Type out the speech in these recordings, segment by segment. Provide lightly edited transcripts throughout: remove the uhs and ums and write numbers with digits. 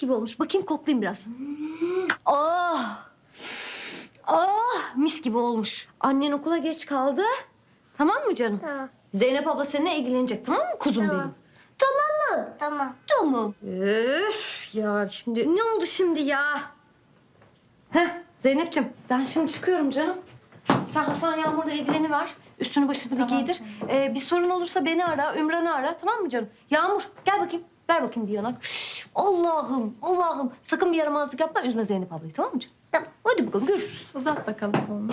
gibi olmuş. Bakayım koklayayım biraz. Oh! Oh! Mis gibi olmuş. Annen okula geç kaldı. Tamam mı canım? Tamam. Zeynep abla seninle ilgilenecek, tamam mı kuzum Tamam. benim? Tamam mı? Tamam. Tamam. Üf, ya şimdi ne oldu şimdi ya? Heh, Zeynep'ciğim ben şimdi çıkıyorum canım. Sen Hasan Yağmur'la ilgileniver. Üstünü başını bir giydir. Bir sorun olursa beni ara, Ümran'ı ara, tamam mı canım? Yağmur gel bakayım. Ver bakayım bir yanak. Üf, Allah'ım, Allah'ım. Sakın bir yaramazlık yapma. Üzme Zeynep ablayı, tamam mı canım? Tamam. Hadi bakalım görüşürüz. Uzat bakalım onu.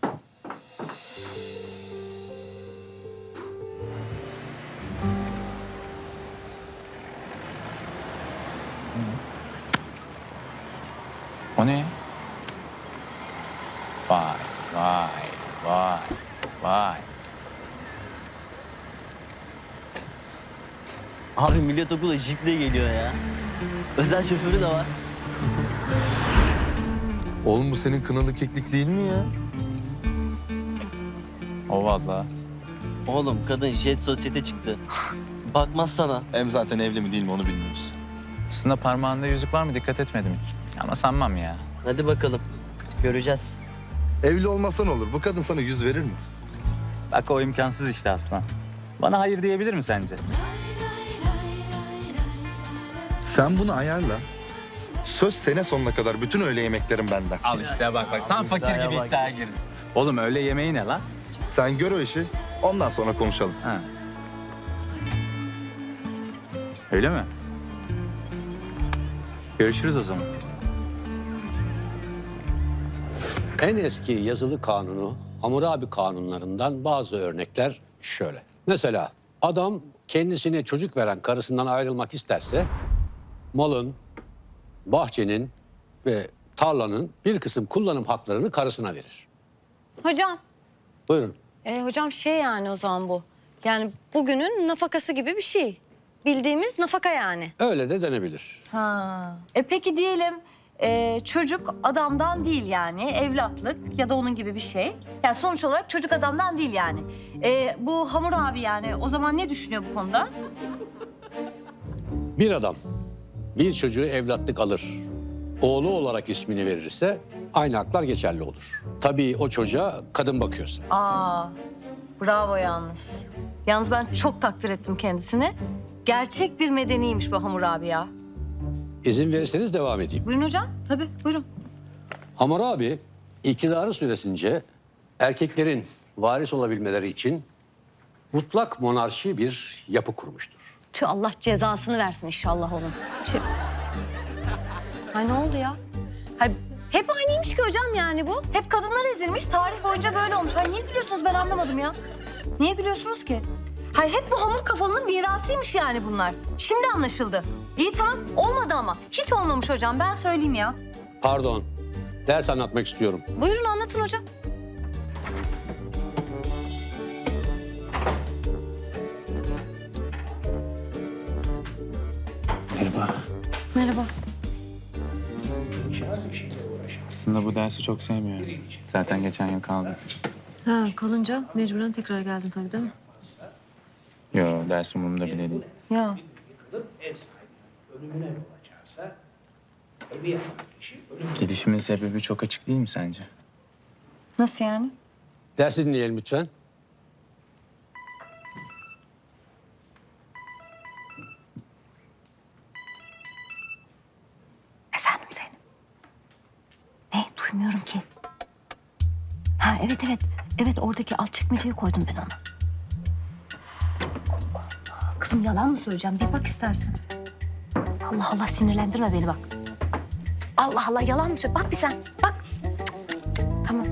O ne? Vay, vay, vay, vay. Abi millet okula jiple geliyor ya. Özel şoförü de var. Oğlum bu senin kınalı keklik değil mi ya? O vallahi. Oğlum kadın jet sosyete çıktı. Bakmaz sana. Hem zaten evli mi değil mi onu bilmiyoruz. Aslında parmağında yüzük var mı dikkat etmedim hiç. Ama sanmam ya. Hadi bakalım. Göreceğiz. Evli olmasan olur. Bu kadın sana yüz verir mi? Bak o imkansız işte aslan. Bana hayır diyebilir mi sence? Sen bunu ayarla. Söz sene sonuna kadar bütün öğle yemeklerin benden. Al işte bak tam fakir iddiaya gibi bak. iddiaya girdin. Oğlum öyle yemeği ne lan? Sen gör o işi. Ondan sonra konuşalım. Ha. Öyle mi? Görüşürüz o zaman. En eski yazılı kanunu Hammurabi kanunlarından bazı örnekler şöyle. Mesela adam kendisine çocuk veren karısından ayrılmak isterse malın, bahçenin ve tarlanın bir kısım kullanım haklarını karısına verir. Hocam, Buyurun. hocam şey yani o zaman bu. Yani bugünün nafakası gibi bir şey. Bildiğimiz nafaka yani. Öyle de denebilir. Ha. Peki diyelim çocuk adamdan değil yani evlatlık ya da onun gibi bir şey. Yani sonuç olarak çocuk adamdan değil yani. Bu Hamur abi yani o zaman ne düşünüyor bu konuda? Bir adam bir çocuğu evlatlık alır. Oğlu olarak ismini verirse aynı haklar geçerli olur. Tabii o çocuğa kadın bakıyorsa. Aa, bravo yalnız. Yalnız ben çok takdir ettim kendisini. Gerçek bir medeniymiş bu Hamur abi ya. İzin verirseniz devam edeyim. Buyurun hocam, tabii buyurun. Hammurabi iktidarı süresince erkeklerin varis olabilmeleri için mutlak monarşi bir yapı kurmuştur. Tüh Allah cezasını versin inşallah onun. Ay ne oldu ya? Hay, hep aynıymış ki hocam yani bu. Hep kadınlar ezilmiş. Tarih boyunca böyle olmuş. Hay niye gülüyorsunuz ben anlamadım ya. Niye gülüyorsunuz ki? Hay hep bu hamur kafalının mirasıymış yani bunlar. Şimdi anlaşıldı. İyi tamam olmadı ama. Hiç olmamış hocam ben söyleyeyim ya. Pardon, ders anlatmak istiyorum. Buyurun anlatın hocam. Merhaba. Merhaba. Aslında bu dersi çok sevmiyorum. Zaten geçen yıl kaldım. Ha kalınca mecburen tekrar geldin tabii değil mi? Yo ders umurumda bile değil. Ya. Gidişimin sebebi çok açık değil mi sence? Nasıl yani? Dersi dinleyelim lütfen. Efendim Zeynep. Ne? Duymuyorum ki. Ha evet evet. Evet oradaki alt çekmeceye koydum ben onu. Kızım yalan mı söyleyeceğim? Bir bak istersen. Allah Allah sinirlendirme beni bak. Allah Allah yalan mı söylüyorsun? Bak bir sen. Bak. Cık, cık. Tamam.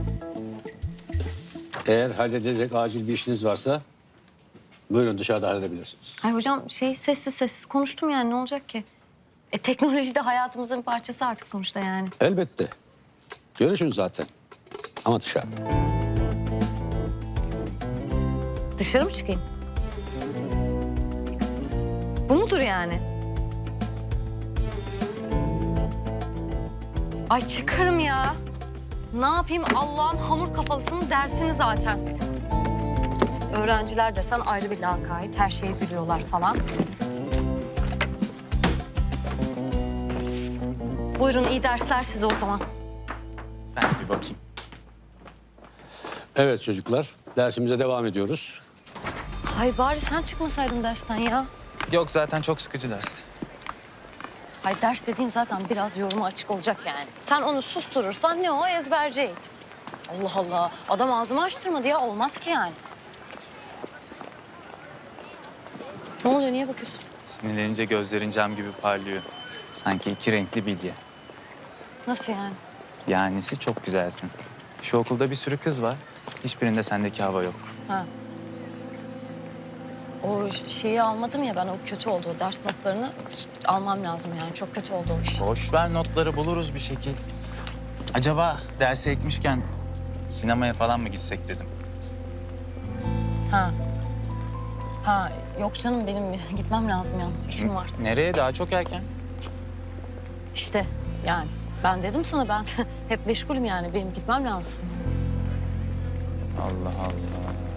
Eğer halledecek acil bir işiniz varsa buyurun dışarıda halledebilirsiniz. Ay hocam şey sessiz sessiz konuştum yani ne olacak ki? Teknoloji de hayatımızın bir parçası artık sonuçta yani. Elbette. Görüşün zaten. Ama dışarıda. Dışarı mı çıkayım? Bu mudur yani? Ay çıkarım ya. Ne yapayım Allah'ın hamur kafalısının dersini zaten. Öğrenciler desen ayrı bir lakayt. Her şeye gülüyorlar falan. Buyurun iyi dersler size o zaman. Ben bir bakayım. Evet çocuklar, dersimize devam ediyoruz. Hay bari sen çıkmasaydın dersten ya. Yok zaten çok sıkıcı ders. Hay ders dediğin zaten biraz yoruma açık olacak yani. Sen onu susturursan ne o ezberci eğitim. Allah Allah. Adam ağzımı açtırmadı ya. Olmaz ki yani. Ne oluyor? Niye bakıyorsun? Sinirlenince gözlerin cam gibi parlıyor. Sanki iki renkli bilye. Nasıl yani? Yanisi çok güzelsin. Şu okulda bir sürü kız var. Hiçbirinde sendeki hava yok. Ha. O şeyi almadım ya ben. O kötü oldu. O ders notlarını almam lazım yani. Çok kötü oldu o iş. Boş ver notları buluruz bir şekil. Acaba derse ekmişken sinemaya falan mı gitsek dedim. Ha. Ha yok canım benim gitmem lazım yalnız. İşim var. Nereye? Daha çok erken. İşte yani. Ben dedim sana ben hep meşgulüm yani. Benim gitmem lazım. Allah Allah.